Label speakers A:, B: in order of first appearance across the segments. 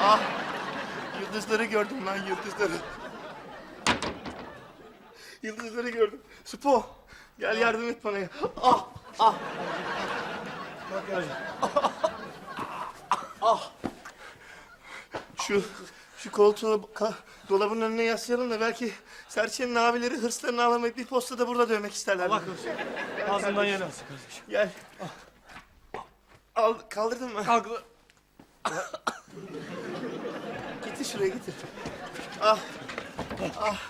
A: Ah! Yıldızları gördüm lan, yıldızları. Yıldızları gördüm. Spo, gel yardım et bana ya. Ah! Ah!
B: Bak Yarcan.
A: Şu koltuğu dolabın önüne yaslayalım da belki Serçe'nin abileri hırslarını alamayıp bir postada burada dövmek isterler.
B: Allah korusun. Ağzından yer alsın kardeşim.
A: Gel. Al, kaldırdın mı?
B: Kalk.
A: Getir şuraya, getir. Ah. Ah.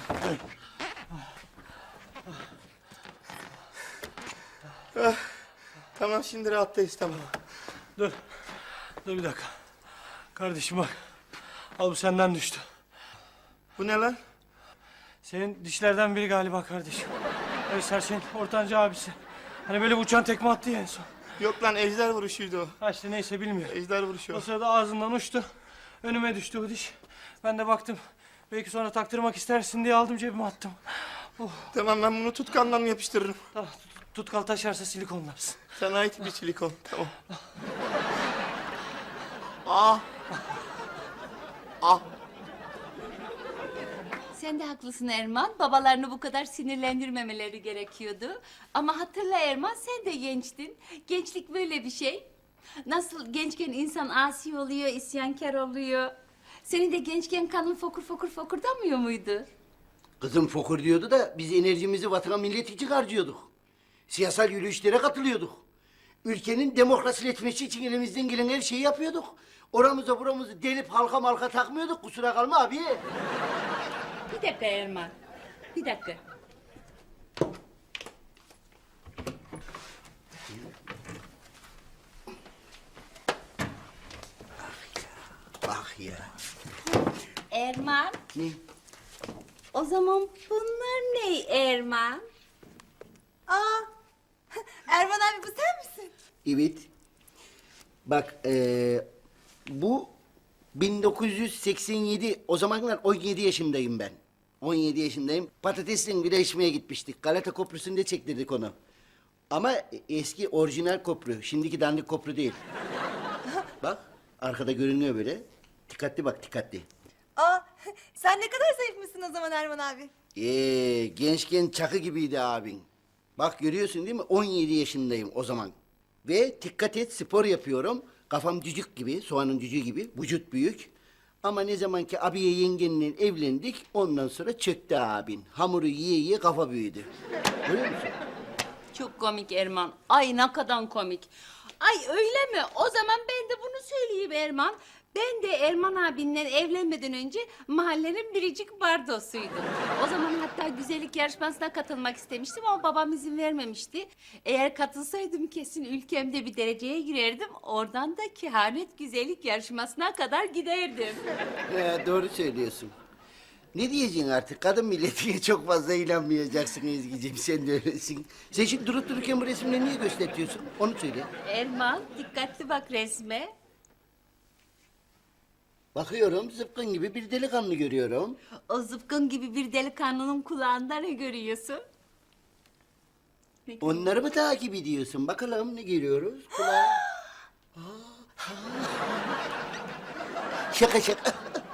A: Ah. Tamam, şimdi rahattayız, tamam.
B: Dur. Dur bir dakika. Kardeşim bak. Al bu senden düştü.
A: Bu ne lan?
B: Senin dişlerden biri galiba kardeşim. Evet Serçe'nin ortanca abisi. Hani böyle uçan tekme attı ya en son.
A: Yok lan, ejder vuruşuydu o.
B: Ha işte neyse bilmiyorum.
A: Ejder vuruşu
B: O
A: o.
B: sırada ağzından uçtu. Önüme düştü o diş. Ben de baktım. Belki sonra taktırmak istersin diye aldım cebime attım.
A: Tamam, ben bunu tutkandan yapıştırırım.
B: Tamam tutkal taşarsa silikonlarsın.
A: Sana ait bir silikon, tamam. Ah! Ah!
C: Sen de haklısın Erman. Babalarını bu kadar sinirlendirmemeleri gerekiyordu. Ama hatırla Erman, sen de gençtin. Gençlik böyle bir şey. Nasıl gençken insan asi oluyor, isyankar oluyor. Senin de gençken kanın fokur fokur fokurdamıyor muydu?
D: Kızım fokur diyordu da biz enerjimizi vatana millet için harcıyorduk. Siyasal yürüyüşlere katılıyorduk. Ülkenin demokrasileşmesi için elimizden gelen her şeyi yapıyorduk. Oramıza buramızı delip halka malka takmıyorduk, kusura kalma abi.
C: Bir dakika Erman. Bir dakika.
D: Bak ya.
C: Erman,
D: Ne?
C: o zaman bunlar ne Erman?
E: Aa, Erman abi bu sen misin?
D: Evet. Bak bu 1987, o zamanlar 17 yaşındayım ben. 17 yaşındayım. Patatesle güreşmeye gitmiştik. Galata Köprüsü'nde çektirdik onu. Ama eski orijinal köprü. Şimdiki dandik köprü değil. Bak arkada görünüyor böyle. Dikkatli bak, dikkatli.
E: Aa, sen ne kadar zayıfmışsın o zaman Erman abi.
D: Gençken çakı gibiydi abin. Bak görüyorsun değil mi? 17 yaşındayım o zaman. Ve dikkat et, spor yapıyorum. Kafam cücük gibi, soğanın cücüğü gibi. Vücut büyük. Ama ne zaman ki abiye yengenle evlendik, ondan sonra çöktü abin. Hamuru yiye yiye kafa büyüdü. Görüyor musun?
C: Çok komik Erman. Ay ne kadar komik. Ay öyle mi? O zaman ben de bunu söyleyeyim Erman. Ben de Erman abinle evlenmeden önce mahallenin biricik bardosuydum. O zaman hatta güzellik yarışmasına katılmak istemiştim ama babam izin vermemişti. Eğer katılsaydım kesin ülkemde bir dereceye girerdim. Oradan da kehanet güzellik yarışmasına kadar giderdim.
D: Doğru söylüyorsun. Ne diyeceksin artık? Kadın milletiye çok fazla inanmayacaksın Ezgi'ciğim. Sen de öylesin. Sen şimdi durup dururken bu resimleri niye gösteriyorsun? Onu söyle.
C: Erman dikkatli bak resme.
D: Bakıyorum, zıpkın gibi bir delikanlı görüyorum.
C: O zıpkın gibi bir delikanlının kulağında ne görüyorsun?
D: Onları mı takip ediyorsun? Bakalım ne görüyoruz? Kulağa. Şaka şaka.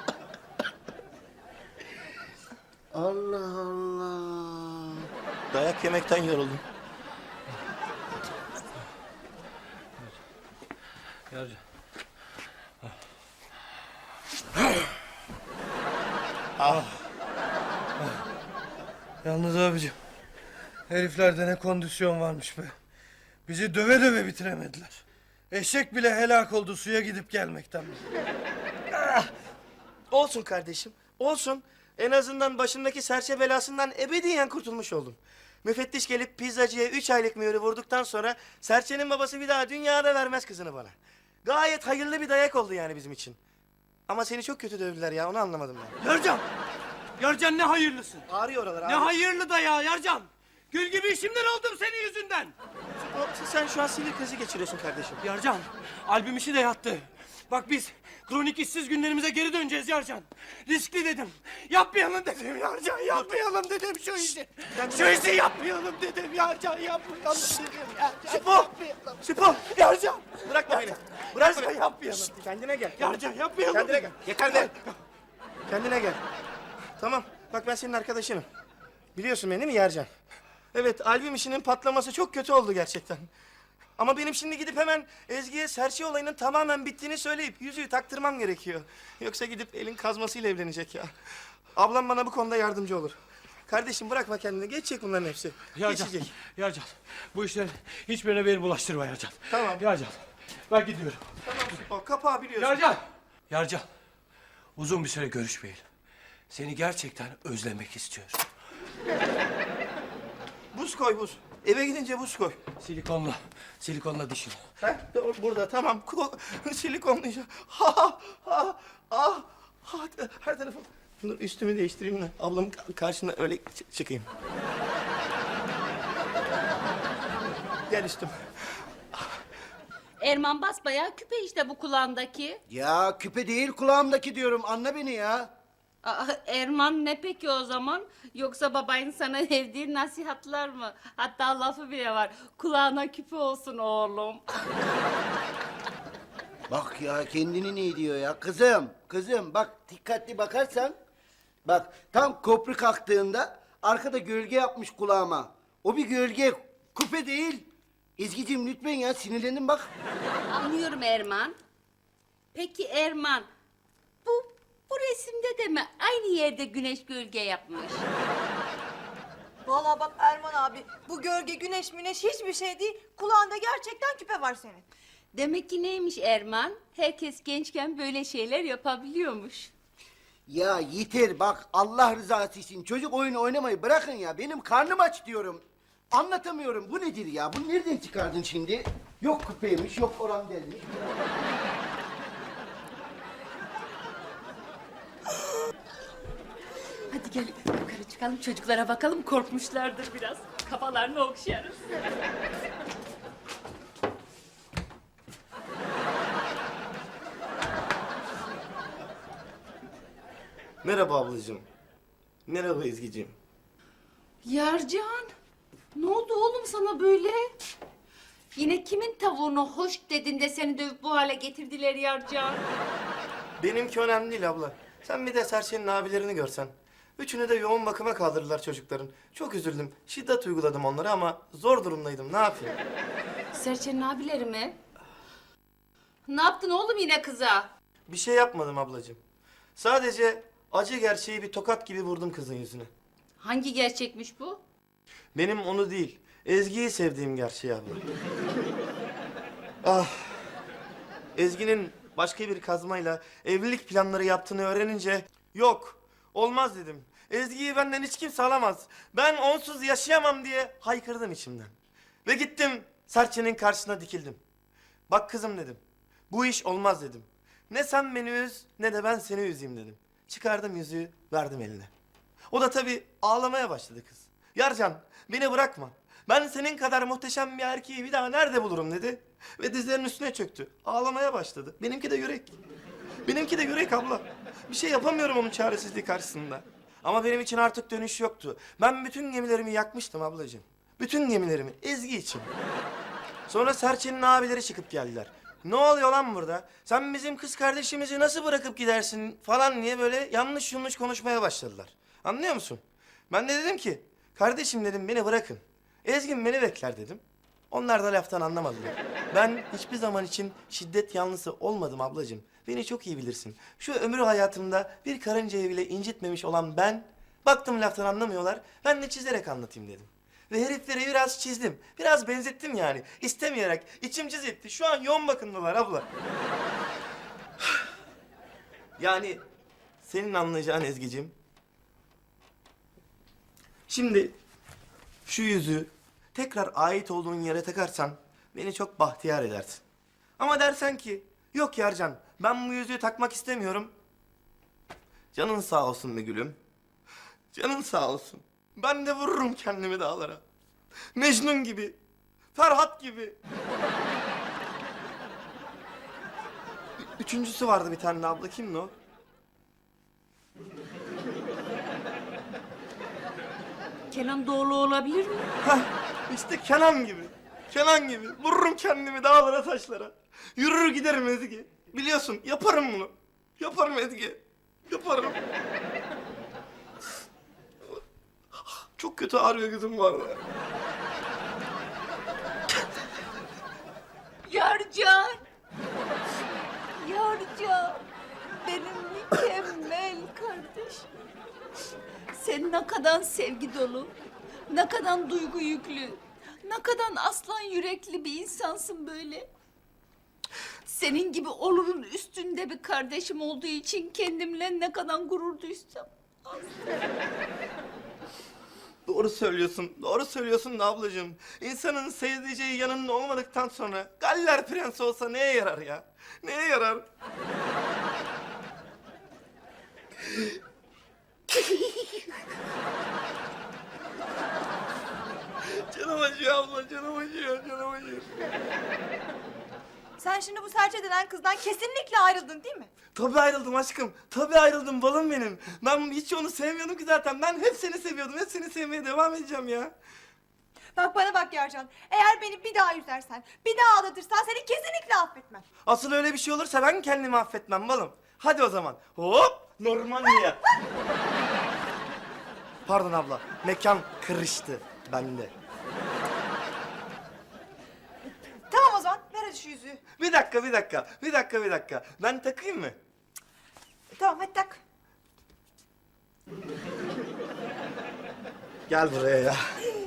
D: Allah Allah.
A: Dayak yemekten yoruldum.
B: Yarcan. Yalnız abicim. Heriflerde ne kondisyon varmış be. Bizi döve döve bitiremediler. Eşek bile helak oldu suya gidip gelmekten.
A: Olsun kardeşim, olsun. En azından başındaki serçe belasından ebediyen kurtulmuş oldum. Müfettiş gelip pizzacıya 3 aylık mühürü vurduktan sonra serçenin babası bir daha dünyada vermez kızını bana. Gayet hayırlı bir dayak oldu yani bizim için. Ama seni çok kötü dövdüler ya, onu anlamadım ben.
B: Yarcan! Yarcan ne hayırlısın.
A: Ağrıyor oralar,
B: Ne
A: ağrıyor.
B: hayırlı da ya Yarcan. Gül gibi işimden oldum senin yüzünden.
A: Sen şu an sinir krizi geçiriyorsun kardeşim.
B: Yarcan, albüm işi de yattı. Bak biz Kronik işsiz günlerimize geri döneceğiz Yarcan. Riskli dedim. Yapmayalım dedim Yarcan. Yapmayalım dedim şu işi. Şu işi yapmayalım dedim Yarcan. Yapmayalım dedim Yarcan.
A: Sipo! Sipo!
B: Yarcan.
A: Bırakma beni. Bırakma.
B: Yarcan yapmayalım.
A: Şşt, kendine gel.
B: Yarcan yapmayalım.
A: Kendine gel. Yeter be. Kendine gel. Tamam. Bak ben senin arkadaşınım. Biliyorsun beni değil mi Yercan? Evet, albüm işinin patlaması çok kötü oldu gerçekten. Ama benim şimdi gidip hemen Ezgi'ye serçe olayının tamamen bittiğini söyleyip yüzüğü taktırmam gerekiyor. Yoksa gidip elin kazmasıyla evlenecek ya. Ablam bana bu konuda yardımcı olur. Kardeşim bırakma kendini. Geçecek bunların hepsi.
B: Yarcan.
A: Geçecek.
B: Yarcan. Bu işlerin hiçbirine beni bulaştırma Yarcan.
A: Tamam.
B: Yarcan. Ben gidiyorum.
A: Tamam. O kapağı biliyorsun.
B: Yarcan. Yarcan. Uzun bir süre görüşmeyelim. Seni gerçekten özlemek istiyorum.
A: Buz koy buz. Eve gidince buz koy.
B: Silikonla dişini.
A: Ha, burada tamam. Silikonlayacağım. Ha ha ha ha. Her tarafım. Dur üstümü değiştireyim de ablamın karşısına öyle çıkayım. Gel üstüm.
C: Erman basbayağı küpe işte bu kulağındaki.
D: Ya küpe değil kulağımdaki diyorum. Anla beni ya.
C: Aa, Erman ne peki o zaman? Yoksa babayın sana evdiği nasihatler mı? Hatta lafı bile var. Kulağına küpe olsun oğlum.
D: Bak ya kendini ne diyor ya. Kızım bak dikkatli bakarsan. Bak tam köprü kalktığında arkada gölge yapmış kulağıma. O bir gölge, küpe değil. Ezgi'cim lütfen ya sinirlendim bak.
C: Anlıyorum Erman. Peki Erman, bu resimde de mi aynı yerde güneş gölge yapmış?
E: Vallahi bak Erman abi, bu gölge, güneş, müneş hiçbir şey değil. Kulağında gerçekten küpe var senin.
C: Demek ki neymiş Erman? Herkes gençken böyle şeyler yapabiliyormuş.
D: Ya yeter bak Allah rızası için çocuk oyunu oynamayı bırakın ya. Benim karnım aç diyorum. Anlatamıyorum. Bu nedir ya? Bunu nereden çıkardın şimdi? Yok küpeymiş, yok oran delmiş.
C: Hadi gel yukarı çıkalım çocuklara bakalım, korkmuşlardır biraz. Kafalarını okşarız.
A: Merhaba ablacığım. Merhaba Ezgi'ciğim.
C: Yarcan, ne oldu oğlum sana böyle? Yine kimin tavuğunu hoş dedin de seni dövüp bu hale getirdiler Yarcan?
A: Benimki önemli değil abla. Sen bir de Serçe'nin abilerini görsen. Üçünü de yoğun bakıma kaldırdılar çocukların. Çok üzüldüm. Şiddet uyguladım onlara ama zor durumdaydım. Ne yapayım?
C: Serçenin abileri mi? Ne yaptın oğlum yine kıza?
A: Bir şey yapmadım ablacığım. Sadece acı gerçeği bir tokat gibi vurdum kızın yüzüne.
C: Hangi gerçekmiş bu?
A: Benim onu değil, Ezgi'yi sevdiğim gerçeği abla. Ah! Ezgi'nin başka bir kazmayla evlilik planları yaptığını öğrenince yok, olmaz dedim. Ezgi'yi benden hiç kimse alamaz. Ben onsuz yaşayamam diye haykırdım içimden. Ve gittim Serçe'nin karşısına dikildim. Bak kızım dedim, bu iş olmaz dedim. Ne sen beni üz ne de ben seni üzeyim dedim. Çıkardım yüzüğü verdim eline. O da tabii ağlamaya başladı kız. Yarcan beni bırakma. Ben senin kadar muhteşem bir erkeği bir daha nerede bulurum dedi. Ve dizlerinin üstüne çöktü. Ağlamaya başladı. Benimki de yürek. Benimki de yürek abla. Bir şey yapamıyorum onun çaresizliği karşısında. Ama benim için artık dönüş yoktu. Ben bütün gemilerimi yakmıştım ablacığım. Bütün gemilerimi Ezgi için. Sonra Serçe'nin abileri çıkıp geldiler. Ne oluyor lan burada? Sen bizim kız kardeşimizi nasıl bırakıp gidersin falan diye böyle yanlış konuşmaya başladılar. Anlıyor musun? Ben de dedim ki, kardeşim dedim beni bırakın. Ezgin beni bekler dedim. Onlar da laftan anlamadılar. Ben hiçbir zaman için şiddet yanlısı olmadım ablacığım. Beni çok iyi bilirsin. Şu ömrü hayatımda bir karıncayı bile incitmemiş olan ben... Baktım laftan anlamıyorlar, ben de çizerek anlatayım dedim. Ve herifleri biraz çizdim, biraz benzettim yani. İstemeyerek, içim cız etti. Şu an yoğun bakımdalar abla. Yani senin anlayacağın Ezgi'cim... Şimdi şu yüzüğü tekrar ait olduğun yere takarsan beni çok bahtiyar edersin. Ama dersen ki yok Yarcan ben bu yüzüğü takmak istemiyorum. Canın sağ olsun be gülüm. Canın sağ olsun. Ben de vururum kendimi dağlara. Mecnun gibi. Ferhat gibi. Üçüncüsü vardı bir tane de abla. Kimdi o?
C: Kenan Doğulu olabilir mi?
A: Hah, işte Kenan gibi. Kenan gibi. Vururum kendimi dağlara taşlara. Yürür giderim Ezgi. Biliyorsun yaparım bunu. Yaparım Ezgi. Yaparım. Çok kötü ağrıyor gözüm bu arada.
C: Yarcan. Yarcan. Benim mükemmel kardeşim. Sen ne kadar sevgi dolu, ne kadar duygu yüklü, ne kadar aslan yürekli bir insansın böyle. Senin gibi olurun üstünde bir kardeşim olduğu için kendimle ne kadar gurur duysam.
A: Doğru söylüyorsun. Doğru söylüyorsun da ablacığım. İnsanın sevdiceği yanında olmadıktan sonra Galler prensi olsa neye yarar ya? Neye yarar? Canım acıyor abla, canım acıyor, canım acıyor.
E: Sen şimdi bu serçe denen kızdan kesinlikle ayrıldın değil mi?
A: Tabii ayrıldım aşkım. Tabii ayrıldım balım benim. Ben hiç onu sevmiyordum ki zaten. Ben hep seni seviyordum. Hep seni sevmeye devam edeceğim ya.
E: Bak bana bak Yarcan. Eğer beni bir daha üzersen, bir daha aldatırsan seni kesinlikle affetmem.
A: Asıl öyle bir şey olursa ben kendimi affetmem balım. Hadi o zaman. Hop! Normandiya. Pardon abla. Mekan kırıştı bende.
E: Tamam o zaman ver hadi şu yüzüğü.
A: Bir dakika, bir dakika. Bir dakika, bir dakika. Ben takayım mı?
E: Tamam hadi tak.
A: Gel buraya ya.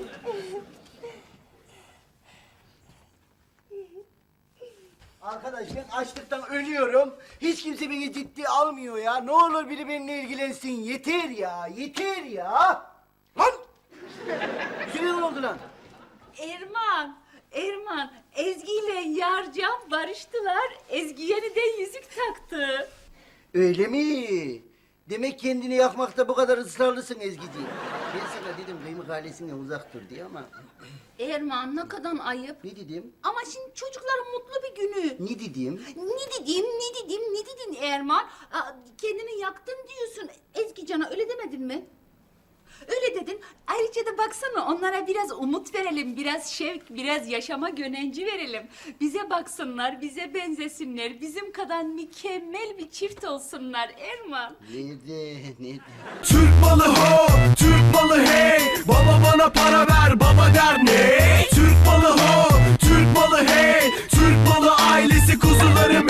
D: Arkadaş ben açlıktan ölüyorum. Hiç kimse beni ciddi almıyor ya. Ne olur biri benimle ilgilensin. Yeter ya, yeter ya. Lan! Yüzüne ne oldu lan?
C: Erman, Ezgi ile Yarcan barıştılar. Ezgi yeniden yüzük taktı.
D: Öyle mi? Demek kendini yakmakta bu kadar ısrarlısın Ezgi'ciğim. Ben sana dedim kıymık ailesinden uzak dur diye ama...
C: Erman ne kadar ayıp.
D: Ne dedim?
C: Ama şimdi çocukların mutlu bir günü.
D: Ne dedim?
C: Ne dedin Erman? Kendini yaktın diyorsun. Ezgi Can'a öyle demedin mi? Öyle dedin. Ayrıca da baksana onlara biraz umut verelim, biraz şevk, biraz yaşama gönenci verelim. Bize baksınlar, bize benzesinler, bizim kadar mükemmel bir çift olsunlar Erman.
D: Nerede?
F: Türk malı ho, Türk malı hey. Baba bana para ver, baba der ne? Türk malı ho, Türk malı hey. Türk malı ailesi kuzularım